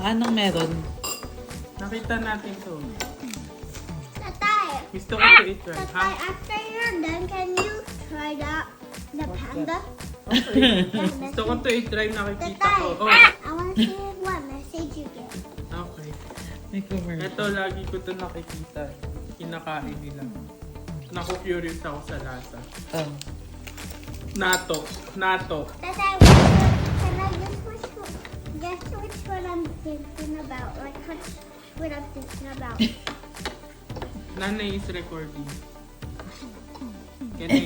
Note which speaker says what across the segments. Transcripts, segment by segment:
Speaker 1: Anong meron?
Speaker 2: Nakita natin to.
Speaker 3: Tatay,
Speaker 2: Gusto ko to eat right.
Speaker 3: Tatay, after you're done, can you try the panda?
Speaker 2: Okay. Gusto ko to eat right. Nakikita
Speaker 3: Tatay,
Speaker 2: ko. Oh,
Speaker 3: I want to see what message you get.
Speaker 2: okay.
Speaker 1: May commercial.
Speaker 2: Ito, lagi ko to nakikita. Kinakain nila. Naku-curious ako sa lasa.
Speaker 1: Oh.
Speaker 2: Nato.
Speaker 3: Tatay, can I guess which one I'm thinking about? Like, what I'm thinking about.
Speaker 2: Nanay is recording. Can I...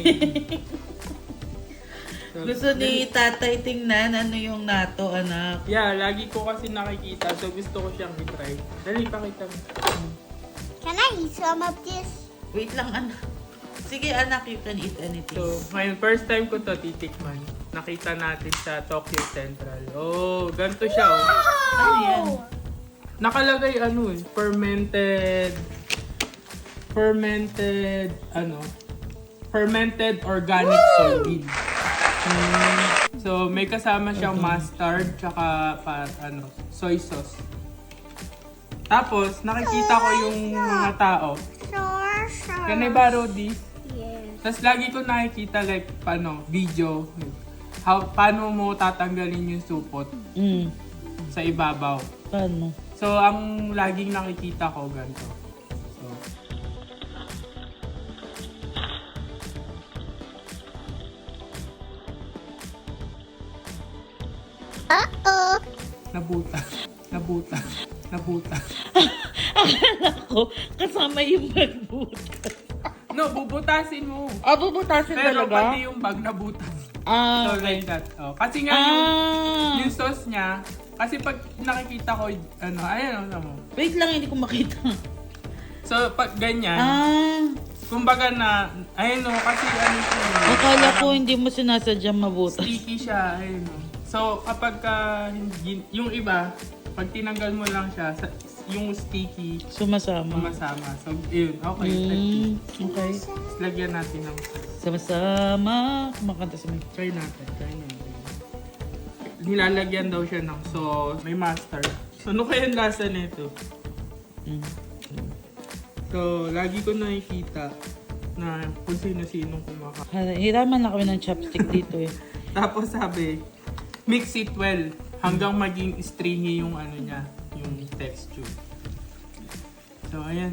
Speaker 2: So,
Speaker 1: Gusto ni tatay tingnan ano yung nato, anak.
Speaker 2: Yeah, lagi ko kasi nakikita. So gusto ko siyang i-try. Dali, pakita mo.
Speaker 3: Can I eat some of this?
Speaker 1: Wait lang, anak. Sige, anak, you can eat anything.
Speaker 2: So, ngayon, first time ko to titikman. Nakita natin sa Tokyo Central. Oh, ganito siya. Oh.
Speaker 1: Ano yan?
Speaker 2: Nakalagay fermented organic soybean. So, may kasama siyang mustard tsaka soy sauce. Tapos, nakikita ko yung mga tao.
Speaker 3: Sure.
Speaker 2: Can I borrow this?
Speaker 3: Yes.
Speaker 2: Tapos lagi ko nakikita like video. Paano mo tatanggalin yung supot sa ibabaw.
Speaker 1: Paano?
Speaker 2: So, ang laging nakikita ko ganito. So,
Speaker 3: Uh-oh.
Speaker 2: Nabuta.
Speaker 1: Akala ko, kasama yung magbutas.
Speaker 2: No, bubutasin mo.
Speaker 1: Ah, bubutasin
Speaker 2: Pero
Speaker 1: talaga?
Speaker 2: pati yung bag nabutas.
Speaker 1: Ah,
Speaker 2: So, like that. Oh. Kasi nga yung sauce niya, kasi pag nakikita ko, ayan mo.
Speaker 1: Wait lang, hindi ko makita.
Speaker 2: So, pag ganyan, kumbaga kasi siya.
Speaker 1: Akala ko
Speaker 2: parang
Speaker 1: hindi mo sinasadyang mabutas.
Speaker 2: sticky siya, So, kapag yung iba, pag tinanggal mo lang siya, yung sticky,
Speaker 1: Sumasama.
Speaker 2: sumasama. So, yun. Okay.
Speaker 1: Okay.
Speaker 2: Tapos lagyan natin ng
Speaker 1: Sama-sama. Kumakanta sa may.
Speaker 2: Try natin. Nilalagyan daw siya ng sauce. May mustard. So, ano kaya ang lasa nito? So, lagi ko nakikita na kung sino-sinong kumakain.
Speaker 1: Hiraman na kami ng chopstick dito eh.
Speaker 2: Tapos sabi, mix it well hanggang maging stringy yung niya, yung texture. So, ayan.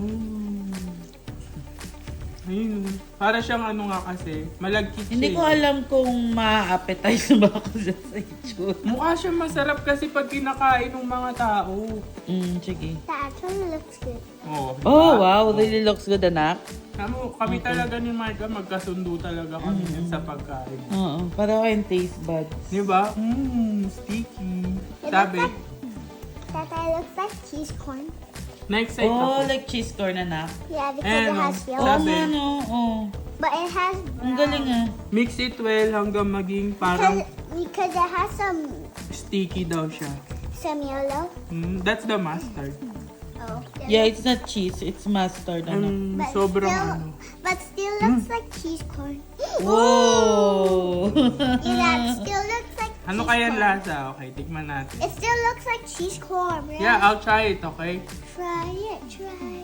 Speaker 2: Ayun. Para siyang kasi, malagkit siya.
Speaker 1: Hindi ko alam kung ma-appetize ba ako sa itsura.
Speaker 2: Mukha siya masarap kasi pag kinakain ng mga tao.
Speaker 1: Sige.
Speaker 3: That actually looks good.
Speaker 2: Oh,
Speaker 1: Oh, wow. Really looks good, anak.
Speaker 2: Kami talaga ni Marga, magkasundo talaga kami sa pagkain.
Speaker 1: Oo. Para kayong taste buds.
Speaker 2: Di ba? Sticky. Sabi,
Speaker 3: That looks like cheese corn.
Speaker 2: na-excite
Speaker 1: Oh,
Speaker 2: ako.
Speaker 1: like cheese corn, anak.
Speaker 3: Yeah, because
Speaker 2: Ayan,
Speaker 3: it has
Speaker 2: oh.
Speaker 3: yellow.
Speaker 1: Oo
Speaker 2: Sabi.
Speaker 1: nga, no. Oh.
Speaker 3: But it has
Speaker 1: Ang galing ah.
Speaker 2: Mix it well hanggang maging parang
Speaker 3: because it has
Speaker 2: sticky daw siya.
Speaker 3: some yellow.
Speaker 2: That's the mustard.
Speaker 3: Oh.
Speaker 1: Yeah, it's not cheese. It's mustard, anak.
Speaker 3: But
Speaker 2: Sobrang
Speaker 3: But still looks like cheese corn.
Speaker 1: Whoa!
Speaker 3: Yeah, that still looks like
Speaker 2: Ano
Speaker 3: cheese
Speaker 2: kaya
Speaker 3: corn.
Speaker 2: lasa? Okay, tikman natin.
Speaker 3: It still looks like cheese corn, right?
Speaker 2: Yeah, I'll try it, okay?
Speaker 3: Try it, try.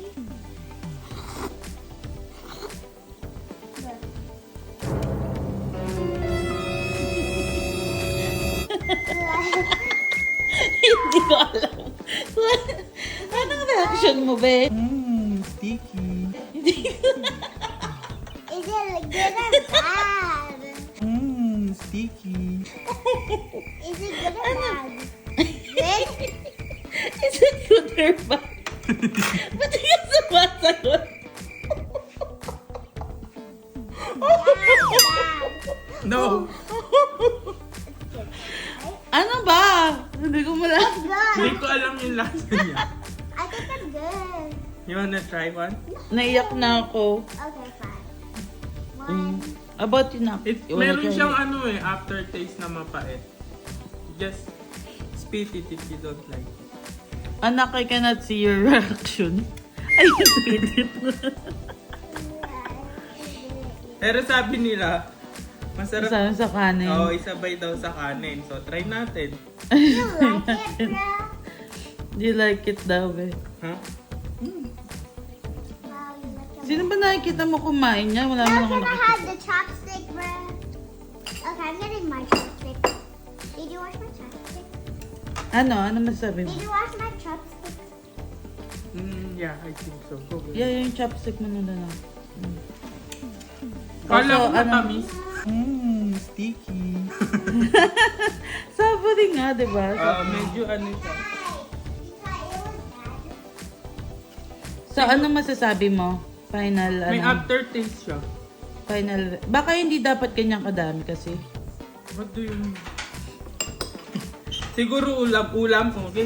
Speaker 1: Hindi ko alam. Anong reaction mo, be?
Speaker 2: Sticky.
Speaker 3: Is it good or bad?
Speaker 2: Sticky.
Speaker 3: Is it good or bad? Good?
Speaker 1: Is it good or bad? Ba't ka sumasagot?
Speaker 2: No!
Speaker 1: Ano ba? Hindi ko malam.
Speaker 3: Good.
Speaker 2: Hindi ko alam yung lasa niya.
Speaker 3: I think I'm good.
Speaker 2: You wanna try one?
Speaker 1: Naiyak na ako.
Speaker 3: Okay, fine. One.
Speaker 1: About you na.
Speaker 2: Meron siyang aftertaste na mapait. Just spit it if you don't like it.
Speaker 1: Anak, I cannot see your reaction. Ay, spit it.
Speaker 2: Pero sabi nila, masarap.
Speaker 1: Sana sa kanin.
Speaker 2: Oo, isabay daw sa kanin. So, try natin.
Speaker 3: You like it, bro?
Speaker 1: Do you like it daw, eh?
Speaker 2: Ha?
Speaker 3: Wow, you like it.
Speaker 1: Sino ba nakikita mo kumain niya? Wala
Speaker 3: Now
Speaker 1: naman ako
Speaker 3: can I
Speaker 1: nakikita.
Speaker 3: have the chopstick, bruh? Okay, I'm getting my chopstick. Did you wash my chopstick?
Speaker 1: Ano? Ano masasabi mo?
Speaker 3: Did you wash my chopstick?
Speaker 2: Yeah, I think so. Go, go.
Speaker 1: Yeah, yung chopstick mo na lang.
Speaker 2: Kala ko
Speaker 1: Also, ano-
Speaker 2: matamis. Sticky.
Speaker 1: Sabody nga, di ba?
Speaker 2: Medyo ano siya.
Speaker 3: You thought it was bad?
Speaker 1: So, ano masasabi mo? Final,
Speaker 2: May
Speaker 1: ano?
Speaker 2: aftertaste siya.
Speaker 1: Final. Baka hindi dapat kanyang kadami kasi.
Speaker 2: What do you mean? Siguro ulam-ulam. Okay.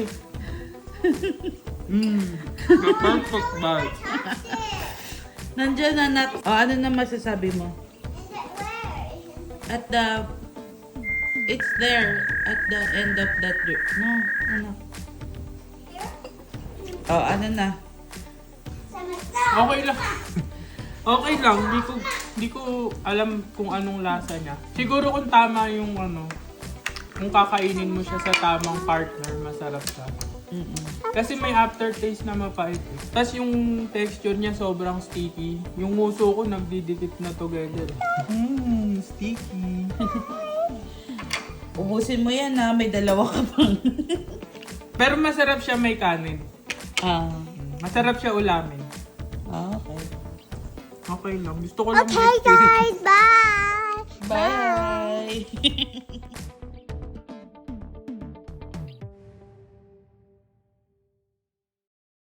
Speaker 2: The perfect bite.
Speaker 3: Chopstick!
Speaker 1: Nandiyan na nat. O, ano na masasabi mo?
Speaker 3: Is it where?
Speaker 1: At the... It's there. At the end of that... No, ano?
Speaker 3: Here?
Speaker 1: O, ano na?
Speaker 3: Some stuff.
Speaker 2: Okay lang. Okay lang. Hindi ko alam kung anong lasa niya. Siguro kung tama yung ano, kung kakainin mo siya sa tamang partner, masarap siya. Kasi may aftertaste na mapait. Tapos yung texture niya sobrang sticky. Yung muso ko nagdidikit na together. Sticky.
Speaker 1: Ubusin mo yan ha. May dalawa ka pang.
Speaker 2: Pero masarap siya may kanin. Masarap siya ulamin.
Speaker 1: Okay.
Speaker 2: Okay lang. Gusto ko lang
Speaker 3: Okay, guys, bye!
Speaker 1: Bye!